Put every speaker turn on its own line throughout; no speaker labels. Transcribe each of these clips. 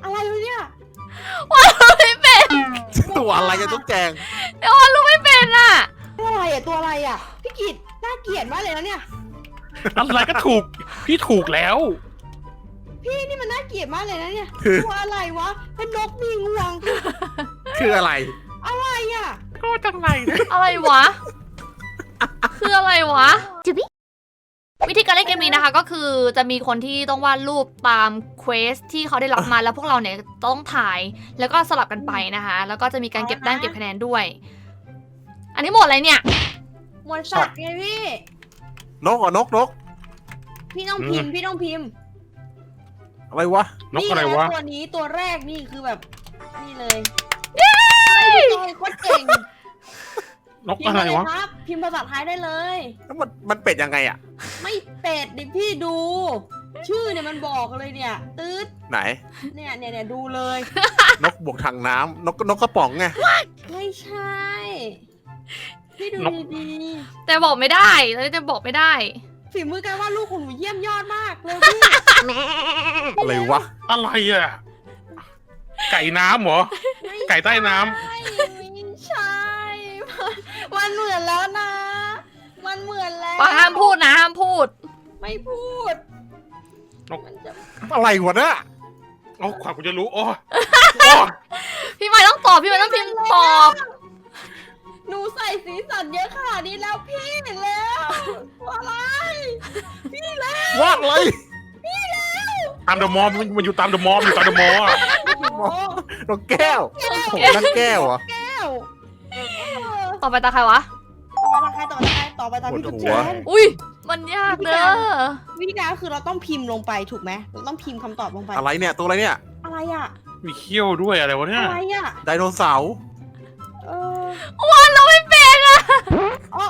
อะไรวะเนี่ย
ว่ารู้ไม่เป็น
ตัวอะไรจะต้องแจง
เดี๋ยวว่ารู้ไม่เป็นอ่ะ
ตัวอะไรอ่ะตัวอะไรอ่ะพี่กิตน่าเกลียดมากเลยนะเนี่ย
อะไรก็ถูกพี่ถูกแล้ว
พี่นี่มันน่าเกลียดมากเลยนะเนี่ยตัวอะไรวะเป็นนกมีงวง
คืออะไร
อะไรอ่ะ
ก็จังไรเนี่ย
อะไรวะ คืออะไรวะ วิธีการเล่นเกมนี้นะคะ ก็คือจะมีคนที่ต้องวาดรูปตามเควสที่เขาได้รับมาแล้วพวกเราเนี่ยต้องถ่ายแล้วก็สลับกันไปนะคะ แล้วก็จะมีการเก็บแต้มเก็บคะแนนด้วย อันนี้หมดอะไรเนี่ย
หมวดสัตว์ไงพี่
นกเหรอนก
พี่ต้องพิมพ์พี่ต้องพิมพ์
อะไรวะ
นกอะไรวะ
ตัวนี้ตัวแรกนี่คือแบบนี่เลยพี่จอยโคตรเก่ง
นกอะไรวะ
พิมพ์เลยครับพิมพ์ภาษาไทยได้เลย
แล้วมันเป็ดยังไงอ่ะ
ไม่เป็ดดิพี่ดู ชื่อเนี่ยมันบอกเลยเนี่ยตืด
ไหน
เนี่ยดูเลย
นกบวกถังน้ำนกกระป๋องไง
ไม่ใช่ พี่ดู
นก
ดี
แต่บอกไม่ได้แล้วจะบอกไม่ได้
ๆฝีมือการวาดรูปของหนูเยี่ยมยอดมากเลยพี่
อะไรวะ
อะไรอ่ะไก่น้ำเหรอ ไก่ใต้น้ำ
ไม่ใช่ มันเหมือนแล้วนะ มันเหมือนแล้ว
ปาห้ามพูดนะห้ามพูด
ไม่พูด
นก
มันจะ
อะไรวะเนี่ย
เอาขวากูจะรู้โอ้โอ้
พี่ไม้ต้องตอบพี่ไม้ต้องพิมพ์ตอบ
หนูใส่สีสันเยอะขนาดนี้แล้วพี่แล้วอะไร
วาดเลย
ตามเดอะมอลมันอยู่ตามเดอะมอลอยู่ตามเดอะมอล
โอ้
นกแก้วโอ้โหนั่นแก้วเหรอ
แก้ว
ต่อไปตาใครวะ
ต่อไปตามพี่
ปว
จุ๊
ด
บ
หั
แจ
ว
น
อุ้ยมันยากเด้อ
วิธีการก็คือเราต้องพิมพ์ลงไปถูกไหมเราต้องพิมพ์คำตอบลงไป
อะไรเนี่ยตัวอะไรเนี่ย
อะไรอ่ะ
มีเขี้ยวด้วยอะไรวะเนี่ย
อะไรอ่ะ
ไดโนเสาร์
เออ
วันเราไม่เป็นอะ
อ๋อ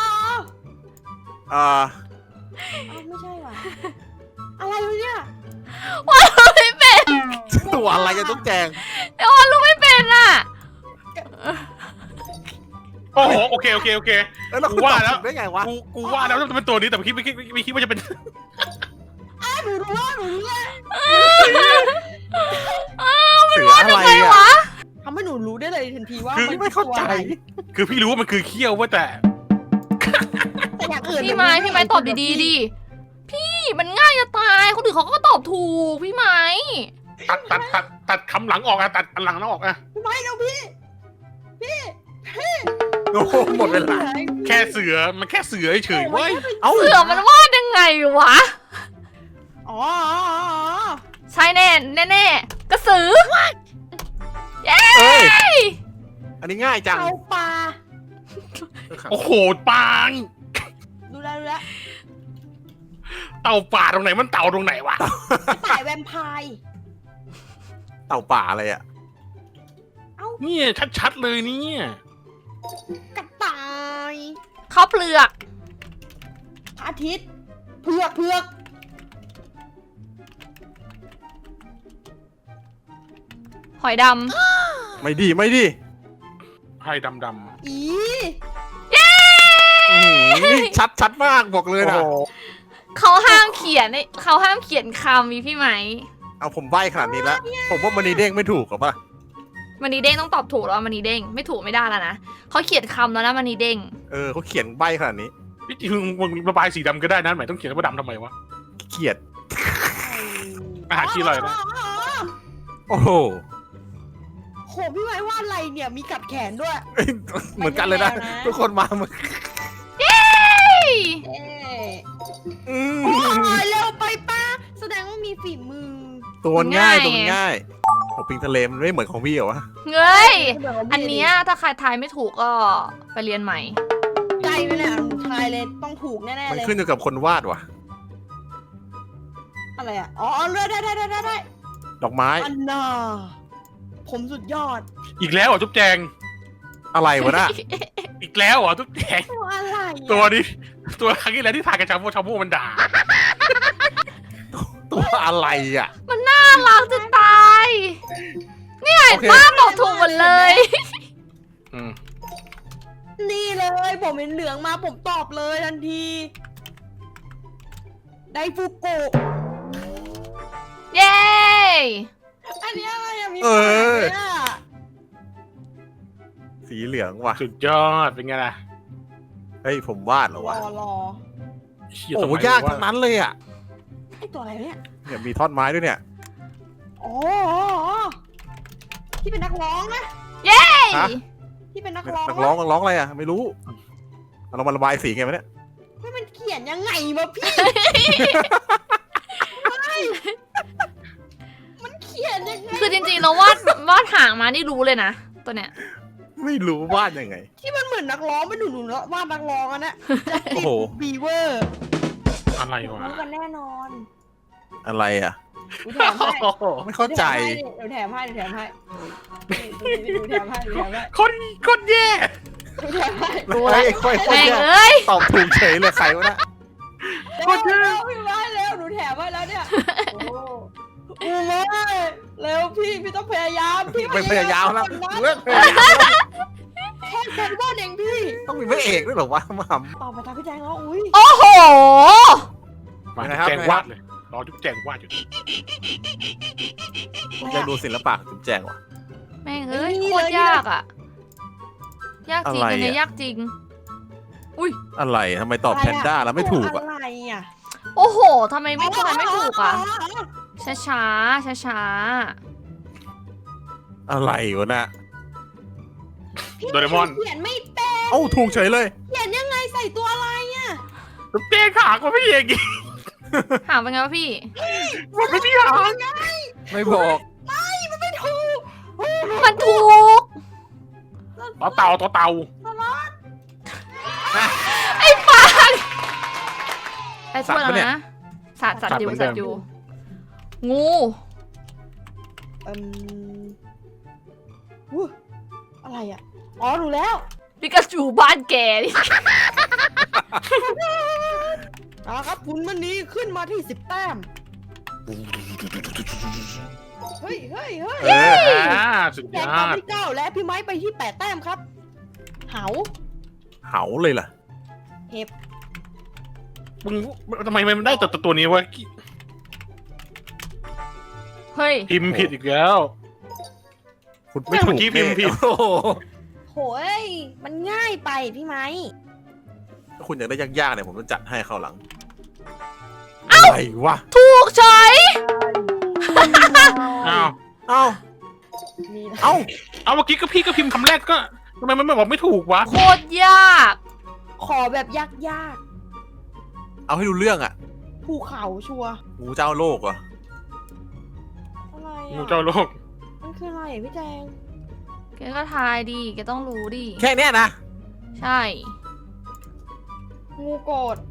อ่า
ไม่ใช่ว่ะอะไรวะเนี่ย
วันเราไม่เป็น
ตัวอะไรจะต้องแจง
เดี๋ยววันเราไม่เป็นอะ
โอ้โหโอเค
แล้วเรา
กูว่าแล้ว
ตอบถูกได้ไงวะ
กูว่าแล้วจะเป็นตัวนี้แต่ไม่คิดว่าจะเป็น
หนูรู้แล้ว
เสืออะไร
ใคร
อ่ะ
วะ
ทำให้หนูรู้ได้เลยทันทีว่า
คือ
มัน
ไม่เข้าใจ
คือพี่รู้ว่ามันคือเขี้ยวเว่าแต่
แต่อย่างอื่น
พี่ไม้ตอบดีๆดิพี่มันง่ายจะตายคนอื่นเขาก็ตอบถูกพี่ไม้
ตัดคำหลังออกอะตัดอันหลังออกอะ
ไม่แล้วพี่
โอ้โหหมดเวลา
แค่เสือมันแค่เสือเฉยๆเว้ย
เอ้า
เสือมันวาดยังไงวะ
อ๋อ
ใช่แน่กระสือเย้
เอ้ยอันนี้ง่ายจัง
เอาปลา
โอ้โหปาง
ดูแล
เต่าป่าตรงไหนมันเต่าตรงไหนวะ
ต่ายแวมไพร์
เต่าป่าอะไรอ่ะ
เนี่ยชัดๆเลยเนี่ย
กระต่าย
ข้าวเปลือก
พระอาทิตย์เผือก
หอยด
ไม่ดี
ให้ดำ
อี
อื้อหือนี่ชัดมากบอกเลยนะ
ำเขาห้ามเขียนคำมีพี่ไหม
เอาผมใบ้ขนาดนี้แล้วผมว่ามันนีเด้งไม่ถูกหรอปะ
มันนีเด้งต้องตอบถูกแล้วมันนีเด้งไม่ถูกไม่ได้แล้วนะเขาเขียนคำแล้วนะมันนีเด้ง
เขาเขียนใบ้ขนาดนี้
พี่จริงมึงระบายสีดำก็ได้นะหมายต้องเขียนว่าดำทำไมวะ
เขียด
อาหารขี้อร่อยนะ
โอ้โห
โหพี่ไม้วาดอะไรเนี่ยมีกัดแขนด้วย
เอ้ยเหมือนกันเลยนะ
ไม่แน่นะ
ทุกคนมาเหมือน
เอ๊ะ
อืม
โอ้ยเร็วไปป้าแสดงว่ามีฝีมือ
ตัวง่ายตัวง่ายโอ้ปิงทะเลมันไม่เหมือนของพี่เหรอวะ
เงยอันเนี้ยถ้าใครทายไม่ถูกก็ไปเรียนใหม่
ใจไปเลยหนูทายเลยต้องถูกแน่ๆ
มัน
เลย
ขึ้นอยู่กับคนวาดว่ะ
อะไรอ่ะอ๋อเลือกได้
ดอกไม้
อันน่าผมสุดยอด
อีกแล้วเหรอจุ๊บแจง
อะไรวะน่ะ
อีกแล้วเหรอจุ๊บแจง
ตัวอะไรอะ
ตัวนี้ตัวครั้งที่แล้วที่ถ่ายกับชาโม่มันด่า
ตัวอะไรอ่ะ
มันน่ารักจะตาย เนี่ย
โอเค
ป้าตอบถูกหมดเลย
อืม
นี่เลยผมเห็นเหลืองมาผมตอบเลยทันทีไดฟูกุ
เย้
อันนี้อะไรอะมี
เออ
ปากเนี่ย
สีเหลืองว่ะ
สุดยอดเป็นไงล่ะ
เฮ้ยผมวาดเหรอ
ร
วะ
อ
เหี้
โอ้
ส
โห
มั
ยากทั้งนั้นเลยอ่ะ
ไอตัวอะไรเนี่ย
เนี่ยมีท่อนไม้ด้วยเนี่ย
อ๋อที่เป็นนักร้องนะ
ฮะ
ที่เป็นนักร้อง
นักร้องอะไรอ่ะไม่รู้เรามาระบายสีไงวะเนี่ย
เฮ้ยมันเขียนยังไงวะพี่ มันเขียนยังไง
คือจริงๆเราวาดหางมานี่รู้เลยนะตัวเนี้ย
ไม่รู้วาดยังไง
ที่มันเหมือนนักร้องไม่หนูๆว่านักร้องอันนะ
โอ้โห
บีเวอร์
อะไรวะ
รู้กันแน่นอน
อะไรอ่ะ
หนูแถมให้
โอ้โห
ไม่เข้าใจ
เดี๋ยวแถมให้เดี๋ยวแถมให้เดี๋ยวแถมให้เดี๋ยวแถมให้
คนแย่
เดี๋ยวแถมให้
รู้
ไอ้
แล้ว
ค่อย
แม่ง
เนี่ย
เอ้ย
ตอบถูกเฉยเลยใครวะนะ
เร็วพี่ไม้เร็วหนูแถมให้แล้วเนี่ยโอ้ไม้เร็วพี่ต้องพยายามพี่
ไม่พยายามแล้ว
ก่อนนะ
เลิกพยายามแล้ว
แค่เป็นบ้านเองพี่
ต้องมีพระเอกด้วยเหรอวะมาห
ต่อไปตามพี่แจงแล้วอุ้ย
โอ้โห
มา
นะครับ
แจงวาดเลยรอจุ๊บแจงวาดอยู่
ผมอยากดูศิลปะของจุ๊บแจงว่ะ
แม่งเอ้ยโคตรยากอ่ะ ยากจริง
อะไร
อันเนี้ย
อะ
ยากจริง
อะไรทำไมตอบแพนด้าแล้วไม่ถูกอ่ะ
อะไรอ่ะ
โอ้โหทำไมไม่ถูกอ่ะ ช้าช้าช้าช้า
อะไรวะน่ะ
โดเรมอน
เขียนไม่เป็น
เอ้าถูกเฉยเลย
เขียนยังไงใส่ตัวอะไรอ่ะ
จุ๊บแจงขากว่าพี่เอกอีก
ๆหางเป็นไงวะพี่
มันไม่มีหาง
ไม่บอก
ไม่ถูก
มันถูก
ต่อเต่า
ไอ้ปังไอ้พวกแล้วนะสัตว์อยู่สัตว์อยู่ งู
อู้อะไรอ่ะอ๋อรู้แล้ว
ปิกาจูบ้านแกนี่
เอาละครับคุณมันนี้ขึ้นมาที่10 แต้มเฮ้ย
เออ
สุด
แจ
ย
ก
อ
ตาม
ด
ที่9และพี่ไม้ไปที่8 แต้มครับเหา
เหาเลยล่ะ
เห็บ
มึงทำไมมันได้แต่ตัวนี้วะ
เฮ้ย
พิมพ์ผิดอีกแล้ว
คุณไม่ถูก
เมื่อกี้พิมพ์ผิด
โอ้โห
โหยมันง่ายไปพี่ไม้
ถ้าคุณอยากได้ยากๆเนี่ยผมจะจัดให้เข้าวหลังอะไรวะ
ถูกเฉย
อ้าว
เอ้า
มีนะ
เอ้า
เอาเมื่อกี้ก็พี่ก็พิมพ์คำแรกก็ทำไมมันไม่บอกไม่ถูกวะ
โคตรยาก
ขอแบบยาก
เอาให้ดูเรื่องอ่ะ
ๆภูเขาชัวร์
งูเจ้าโลกเหรอ
อะไร
งู
อ่ะ
เจ้าโลก
มันคืออะไรอ่ะพี่แจง
แกก็ทายดิแกต้องรู้ดิ
แค่เนี้ยนะ
ใช่
งูโกรธ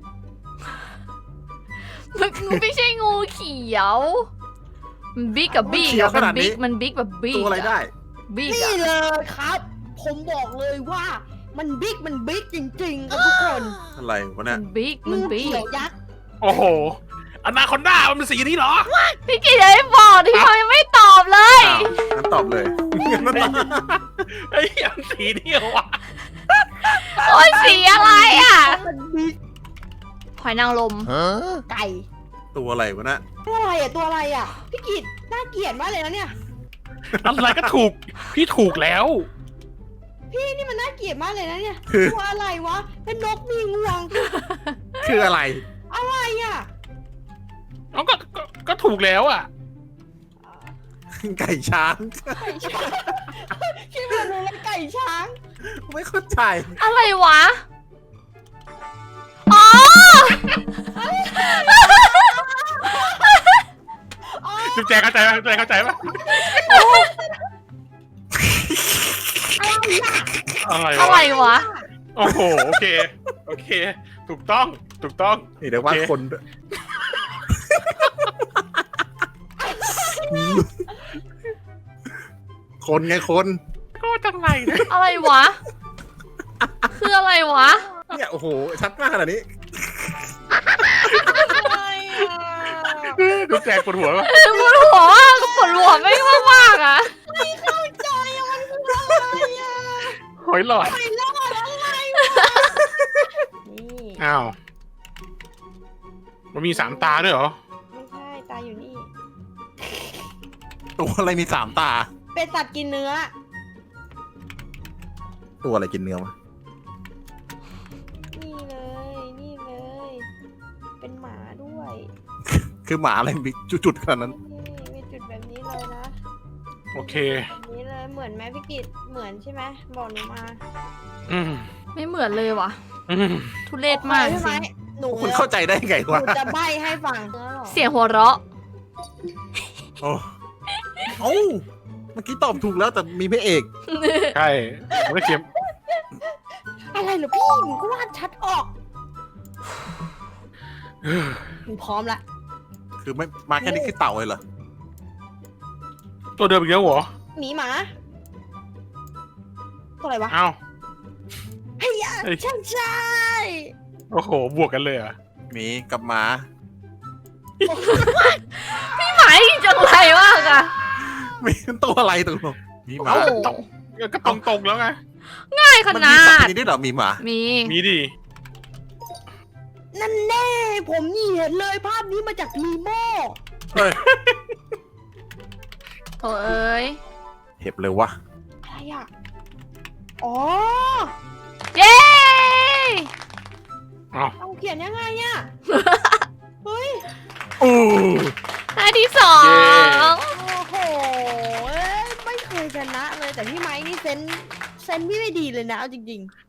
มันไม่ใช่งูเขียว มันบิ๊กกับบิ๊กอะมันบิ๊กแบบบิ๊ก
ตัวอะไรได้
บิ๊ก
นี่
อะ
เลยครับ ผมบอกเลยว่ามันบิ๊กจริงๆครับทุกคน
อะไรวะ
มั
เนี่ย
นบิ๊ก
งู
มันบิ๊ก
เขียวยักษ์
โอ้โหอนาคอนด้ามันเป็นสีนี้เหรอ
พี่กิจยังไม่บอกที่เขายังไม่ตอบเลย
อ้าวงั้นตอบเลย
ไอ้ยมันสีนี้เหรอวะ
โอ้ยสีอะไรอ่ะ
มันบิ๊ก
หอยนางรม
ไก่
ตัวอะไรวะน่ะ
ตัวอะไรอ่ะตัวอะไรอ่ะพี่กิตน่าเกลียดมากเลยนะเนี่ย
อะไรก็ถูก พี่ถูกแล้ว
พี่นี่มันน่าเกลียดมากเลยนะเนี่ย
คือ
ตัวอะไรวะเป็นนกมีงวง
คืออะไร
อะไรอ่ะ
เอาก็ถูกแล้วอ่ะ
ไก่ช้าง
ไก่ช้างคิดว่าหนูเป็นไก่ช้าง
ไม่เข้าใจ
อะไรวะ อ๋อ
จุ๊บแจงเข้าใจปะจุ๊บแจงเข้าใจปะอะไร
อะไร
วะ
วะ
โอ้โห โอเค โอเค ถูกต้อง ถูกต้อง
นี่เดี๋ยวว่า
โอเค
คนด้วยคนไงคน
ก็จังไรเนี่ย
อะไรวะ คืออะไรวะ
เนี่ยโอ้โหชัดมากขนาดนี้
อะไรอ่ะ
จุ๊บแจงปวดหัวปะ
ปวดหัวอะก็ปวดหัวไม่มากๆอ่ะ
ไม่เข้าใจอ่ะมันคืออะไรอ่ะ
หอยหลอด
ไม่รอดอะไรวะนี่
อ้าว มันมี3 ตาด้วยเหรอ
ไม่ใช่ตาอยู่นี่
ตัวอะไรมี3 ตา
เป็นสัตว์กินเนื้อ
ตัวอะไรกินเนื้อวะ
นี่เลย นี่เลย เป็นหมาด้วย
คือหมาอะไรมีจุดๆขนาดนั้น
นี่มีจุดแบบนี้เลยนะ
โอเค
แบบนี้เลยเหมือนไหมพี่กิตเหมือนใช่ไหมบอกหนูมา
อืม
ไม่เหมือนเลยว่ะ
อืม
ทุเรศมากจ
ใช่ไหม
ริง
หนู
คุณเข้าใจได้ไง
ห
วะ
นูจะใบ้ให้ฟังเนื้อหรอ
เสียงหัวเราะ
โอ้เอ้าเมื่อกี้ตอบถูกแล้วแต่มีพระเอก
ใช่ผมก็เขียน
อะไรเหรอพี่หนูก็วาดชัดออกหนูพร้อมละ
คือไม่มาแค่นี้คือเต่าเลยเหรอ
ตัวเดิมอีกแล้วเหรอ
หมีหมาตัวอะไรวะ
อ้าว
เฮีย
เฮ้ย
ใช่ใช่
โอ้โห บวกกันเลยเหรอ่ะ
หมีกับหมา
หมายจังไรมากอะ
มีตัวอะไรตรงมีหมา
โอ้โห
ก็ตรงๆแล้วไง
ง่ายข
มัน
นา
มีสัตว์
ด
ชนิดนี้ด้วยเหรอมีหมา
มี
มีดิ
นั่นแน่ ผมนี่เห็นเลยภาพนี้มาจากนีโม่
เฮ้ย
โถ่เอ้ย
เห็บเลยวะ
อะไรอ่ะ อ๋อ
เย้
อ้าว
เอาเขียนยังไงอ่ะ เฮ้ย
อู้
ได้ที่สอง
โอ้โหเอ้ยไม่เคยชนะเลยแต่พี่ไม้นี่เซนส์พี่ไม่ดีเลยนะเอาจริงๆ